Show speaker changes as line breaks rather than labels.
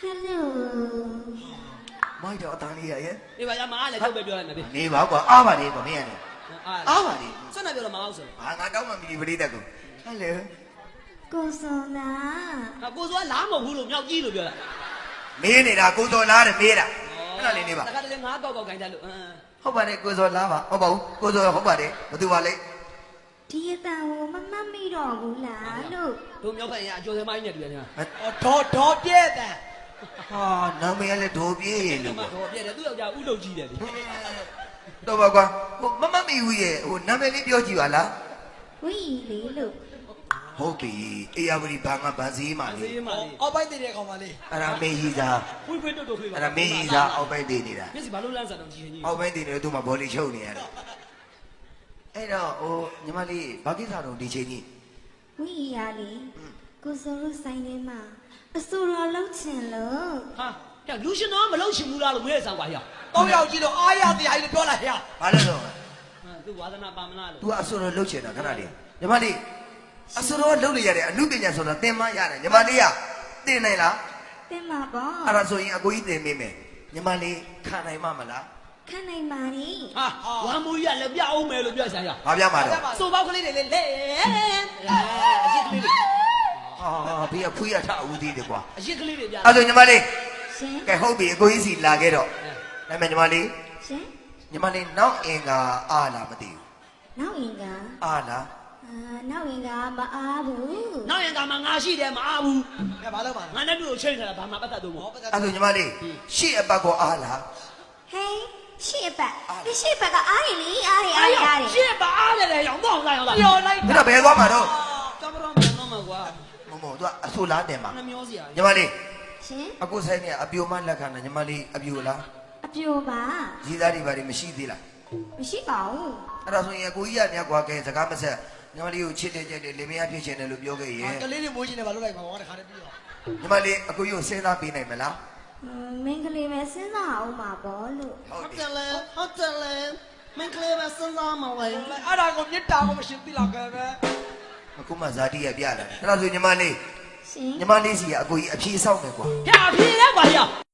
Hello
မိုက်တော့အတန်းလေးရရဲ့
ဒီပါရမအားလည်းထုတ်ပဲပြောလိုက်မယ်ဗျ
နေပါကွာအားပါလေကွာမင်းကနေ
အားပါလေစွန့်နေပြောတော့မအောင်ဆို
ဟာငါတောင်းမှမီပရိသတ်ကိုဟယ်လို
Kosona
ကိုစိုးကလားမဟုတ်ဘူးလို့မြောက်ကြီးလို့ပြောတာ
မေးနေတာကိုစော်လားတဲ့မေးတာအဲ့ဒါလေးနေပါ
တခါတည်းငါးကောက်ခိုင်းတယ်လို့
ဟုတ်ပါတယ်ကိုစော်လားပါဟုတ်ပါဘူးကိုစော်ဟုတ်ပါတယ်ဘသူပါလဲ
Dia mami dong lalu
တို့မြောက်ဖက်ရင်အကျော်စမိုင်းနဲ့တွေ့တယ်
ဒေါ်ပြဲတဲ့
ဟာနာမည်ကလည်းဒိုးပြေးလို့
မ
ကွာ
တော်ပြည့်တယ်သူ့ယောက်ျားဥလုပ်ကြီးတယ်လေ
တော့ပါကွာဟိုမမီဦးရဲ့ဟိုနာမည်လေးပြောကြည့်ပါလား
Wih lelu
ဟုတ်ပြီအေယာဝတီဘာငါဗန်စည်းမာလေး
အေးမာလေး
အောက်ပိုက်တဲ့ကောင်မလေး
အဲ့ဒါမင်းကြီးသား
ဖွေးဖွေးတွတ်တွတ်ခွေးပါ
အဲ့ဒါမင်းကြီးသားအောက်ပိုင်းတည်နေတာ
မျက်စိဘာလို့လန့်စားတော့ကြီးကြီး
အောက်ပိုင်းတည်နေတော့သူ့မှာဘောလီချုပ်နေရတယ်အဲ့တော့ဟိုညီမလေးဘာကိစ္စတော့ဒီချိန်ကြီး
Wih ya li Kosoro sign ni ma Asuro lau chen lo
ဟာကဲလူရှင်တော့မလုပ်ရှင်ဘူးလားလို့မဲဆောင်ပါရ
တောင်းရောက်ကြည့်လို့အားရတရားကြီးလို့ပြောလိုက်ရ
ဘာလဲတော့
သူဝါသနာပါမလားလို့
तू အဆူရောလှုပ်ချင်တာခဏလေးညီမလေးအဆူရောလှုပ်နေရတဲ့အမှုပညာဆိုတော့သင်မရတယ်ညီမလေးကသင်နိုင်လား
Tem ma bo
အဲ့ဒါဆိုရင်အကိုကြီးသင်မိမယ်ညီမလေးခံနိုင်မှာမလား
Kan nai mari
ဟာဝမ်မူကြီးကလည်းပြအောင်မယ်လို့ပြောဆိုင်ရ
ဘာပြမှာတော့
စိုးပေါက်ကလေးတွေလေလေအရစ်ကလေးတွေ
ဟာဘေးကဖွေးရထအဦးသေးတယ်ကွာ
အရစ်ကလေးတွေပြ
အဲ့ဆိုညီမလေး
Shin
ကဲဟုတ်ပြီအကိုကြီးစီလာခဲ့တော့ဒါပေမဲ့ညီမလေး
Shin
ညီမလေးနောက်အင်္ဂါအားလားမသိဘူး
Nau inga
အားလား
Nau inga ma abu
နောက်ရင်ကမှငါရှိတယ်မအားဘူး
ကဲဘာလို့ပါ
ငါနဲ့တူကိုချိန်ထားတာဘာမှပတ်သက်တော့မဟုတ်
အဲ့ဆိုညီမလေးရှေ့အပတ်ကောအားလား
Hey ရှေ့ဘက်ဒီရှေ့ဘက်ကအားရလေအားရ
ရှေ့ပါအားတယ်လေရောင်းတော့အောင်လာ
ပြောလိုက်
မင်းတော့ဘယ်သွားမှာတော့
ကမ္ဘာပြန်တော့မှာကွာ
မမ तू အဆူလားတင်မှာ
နှမျောစရာ
ညီမလေး
ရှင်
အခုဆိုင်နေအပြိုမလက်ခံတာညီမလေးအပြိုလား
အပြိုပါ
ကြီးသားတွေဘာတွေမရှိသေးလား
မရှိပါဘူး
အဲ့ဒါဆိုရင်အကိုကြီးကညကွာကဲစကားမဆက်ညီမလေးကိုချစ်တယ်ကြိုက်တယ်လင်မယားဖြစ်ချင်တယ်လို့ပြောခဲ့ရင်
ကလေးတွေမိုးချင်တယ်ဘာလို့လိုက်မှာဟောတခါတည်းပြီးတော့
ညီမလေးအကိုကြီးကိုစဉ်းစားပေးနိုင်မလား
မင်းကလေးပဲစဉ်းစားအောင်ပါဘောလို့
ဟုတ်
ဟုတ်
တ
တယ် ယ်လေဟုတ်တယ်လေမင်းကလေးပဲစဉ်းစားမလဲ
အဲ့ဒါကိုမြစ်တာကိုမရှိသေးလားကဲပဲ
အခုမှဇာတိရပြလာတယ်အဲ့ဒါဆိုညီမလေး
ရှင်
ညီမလေးစီကအကိုကြီးအဖြေဆောက်မယ်ကွာ
ဖြာဖြေလဲကွာရ